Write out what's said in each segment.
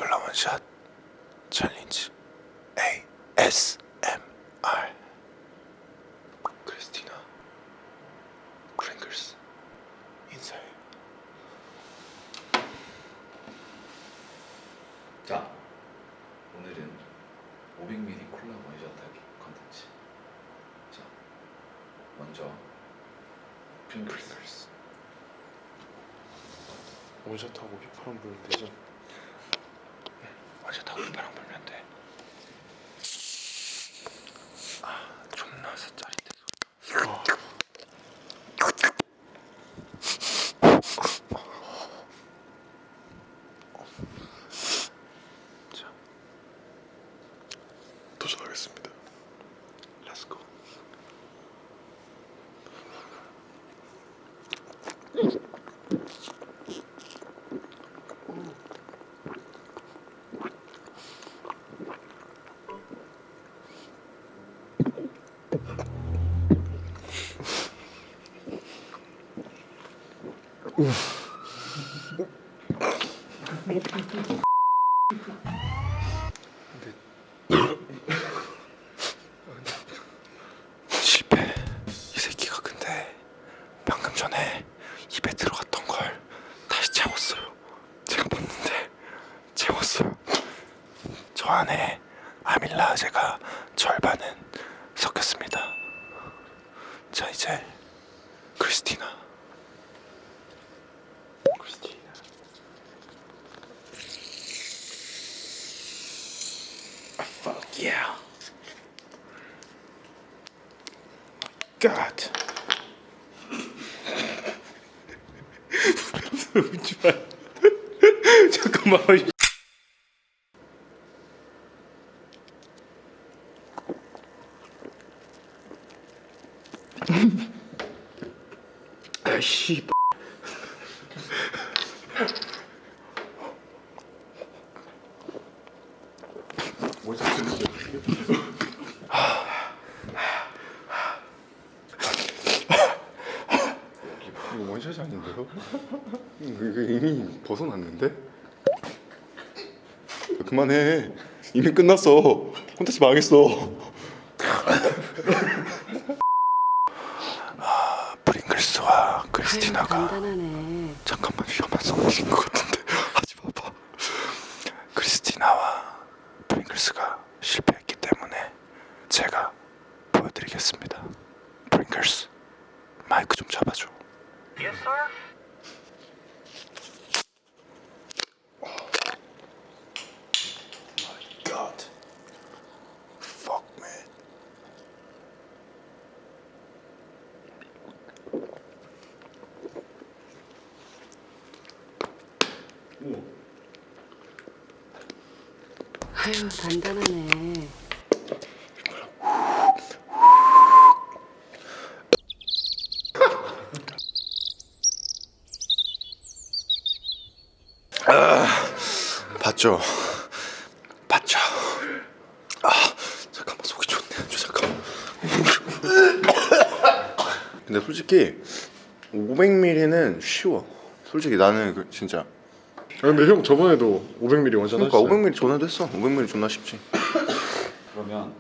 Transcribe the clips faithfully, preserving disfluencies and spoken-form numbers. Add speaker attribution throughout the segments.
Speaker 1: 콜라 원샷 챌린지 에이에스엠알. 크리스티나 프링글스 인사해.
Speaker 2: 자, 오늘은 오백 밀리리터 콜라 원샷 하기 컨텐츠. 자, 먼저 프링글스.
Speaker 3: 원샷하고 휘파람 불면 되죠?
Speaker 1: 원샷하고 휘파람 불면 돼. 아, 존나 짜릿해 소리가.
Speaker 3: 어.
Speaker 1: 자,
Speaker 3: 도전하겠습니다.
Speaker 1: 렛츠고. 실패. 이 새끼가 근데 방금 전에 입에 들어갔던 걸 다시 채웠어요. 제가 봤는데 채웠어요. 저 안에 아밀라제가 절반은 섞였습니다. 자, 이제 크리스티나. 크리스티나. Fuck yeah. God.
Speaker 3: 웃지 마. 잠깐만. 아씨. 뭐지?
Speaker 1: 이거 원샷이 아닌데요? 이거 이미 벗어났는데? 그만해. 이미 끝났어. 콘텐츠 망했어. 아, 프링글스와 크리스티나가
Speaker 4: 아유, 간단하네.
Speaker 1: 잠깐만 위험한 상황인 것 같은데 하지 마봐. 크리스티나와 프링글스가 실패했기 때문에 제가 보여드리겠습니다. 프링글스, 마이크 좀 잡아줘.
Speaker 5: Yes, sir?
Speaker 1: My God. Fuck, man.
Speaker 4: 아유, 단단하네.
Speaker 1: 봤죠? 봤죠? 아, 잠깐만 속이 좋네. 저 잠깐만. 근데 솔직히 오백 밀리리터는 쉬워. 솔직히 나는 그 진짜.
Speaker 3: 아, 근데 형 저번에도 오백 밀리리터 원샷
Speaker 1: 그러니까
Speaker 3: 하셨어요.
Speaker 1: 오백 밀리리터 전화도 했어. 오백 밀리리터 존나 쉽지.
Speaker 2: 그러면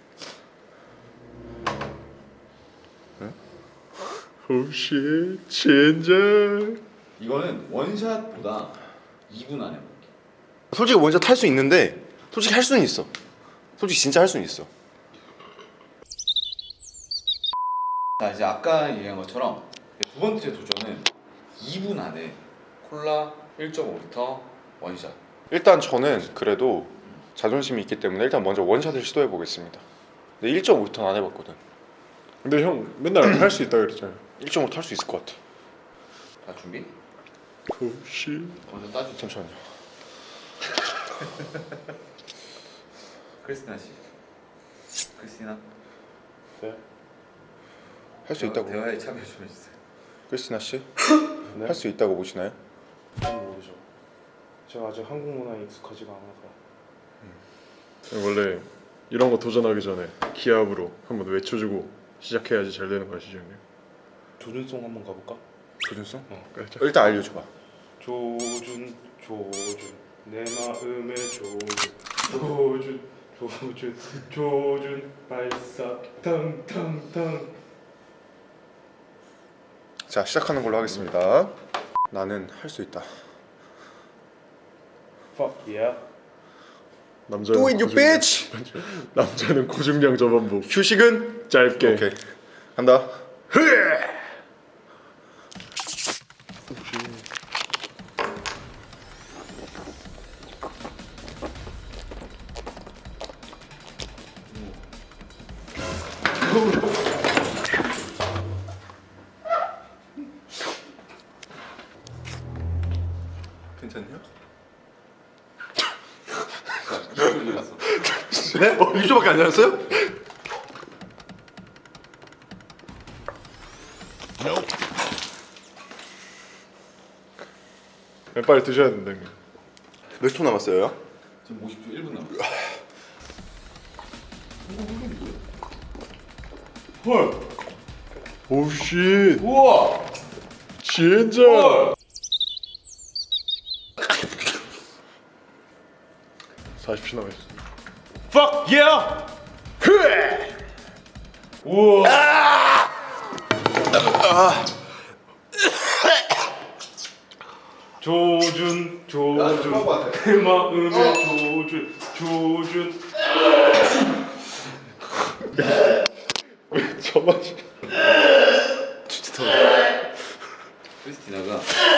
Speaker 3: 오씨 젠장.
Speaker 2: 이거는 원샷보다 이 분 안에 먹기.
Speaker 1: 솔직히 원샷 할 수 있는데 솔직히 할 수는 있어. 솔직히 진짜 할 수는 있어.
Speaker 2: 자, 이제 아까 얘기한 것처럼 두 번째 도전은 이 분 안에 콜라 일 점 오 리터 원샷.
Speaker 1: 일단 저는 그래도 자존심이 있기 때문에 일단 먼저 원샷을 시도해 보겠습니다. 근데 일 점 오 리터는 안 해봤거든.
Speaker 3: 근데 형 맨날 할 수 있다 그랬잖아요.
Speaker 1: 일 점 오 리터 할 수 있을 것 같아.
Speaker 2: 자, 준비.
Speaker 3: 오씨.
Speaker 2: 먼저 따주죠.
Speaker 1: 잠시만요.
Speaker 2: 크리스티나 씨. 크리스티나.
Speaker 3: 네.
Speaker 1: 할 수 있다고.
Speaker 2: 대화에 참여 좀 해주세요.
Speaker 1: 크리스티나 씨?
Speaker 3: 네?
Speaker 1: 할 수 있다고 보시나요?
Speaker 3: 잘 모르죠. 제가 아직 한국 문화에 익숙하지가 않아서. 원래 이런 거 도전하기 전에 기합으로 한번 외쳐주고 시작해야지 잘 되는 거 아시죠, 형님?
Speaker 6: 조준송 한번 가볼까?
Speaker 1: 조준성?
Speaker 3: 어, 그렇죠.
Speaker 1: 일단 알려줘봐.
Speaker 6: 조준 조준 내 마음의 조준 조준 조준 조준 발사 탕탕탕.
Speaker 1: 자, 시작하는 걸로 하겠습니다. 나는 할 수 있다.
Speaker 6: Fuck yeah.
Speaker 3: 남자는
Speaker 1: Do it, you
Speaker 3: 고중량-
Speaker 1: bitch!
Speaker 3: 남자는 고중량 저반복.
Speaker 1: 휴식은
Speaker 3: 짧게.
Speaker 1: 오케이. 간다. 괜찮냐? 네? 어, 일 초밖에 안 지났어요?
Speaker 3: 네, 빨리 드셔야 된다 형님.
Speaker 1: 몇 초 남았어요?
Speaker 2: 지금 오십 초 일 분 남았어.
Speaker 6: 헐.
Speaker 3: 오우 쉣.
Speaker 6: 우와.
Speaker 3: 진짜.
Speaker 6: 헐.
Speaker 3: 사십 초 남았어.
Speaker 6: Fuck yeah. 우와. 조준 조준 내 마음의 조준 조준.
Speaker 3: 저만.
Speaker 2: 크리스티나가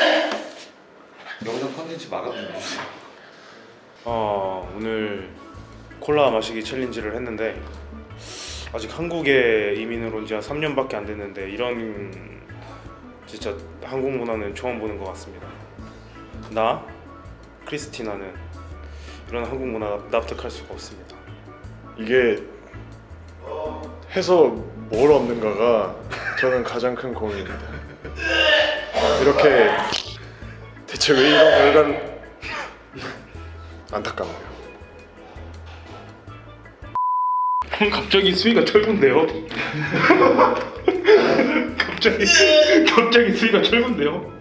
Speaker 2: 영상 컨텐츠 막아주네.
Speaker 6: 어, 오늘 콜라 마시기 챌린지를 했는데 아직 한국에 이민을 온 지 한 삼 년밖에 안 됐는데 이런 진짜 한국 문화는 처음 보는 것 같습니다. 나 크리스티나는 이런 한국 문화 납득할 수가 없습니다.
Speaker 3: 이게 해서 뭘 얻는가가 저는 가장 큰 고민입니다. 이렇게 대체 왜 이런 결과를 안타깝네요.
Speaker 6: 갑자기 수위가 철군데요? 갑자기 갑자기 수위가 철군데요?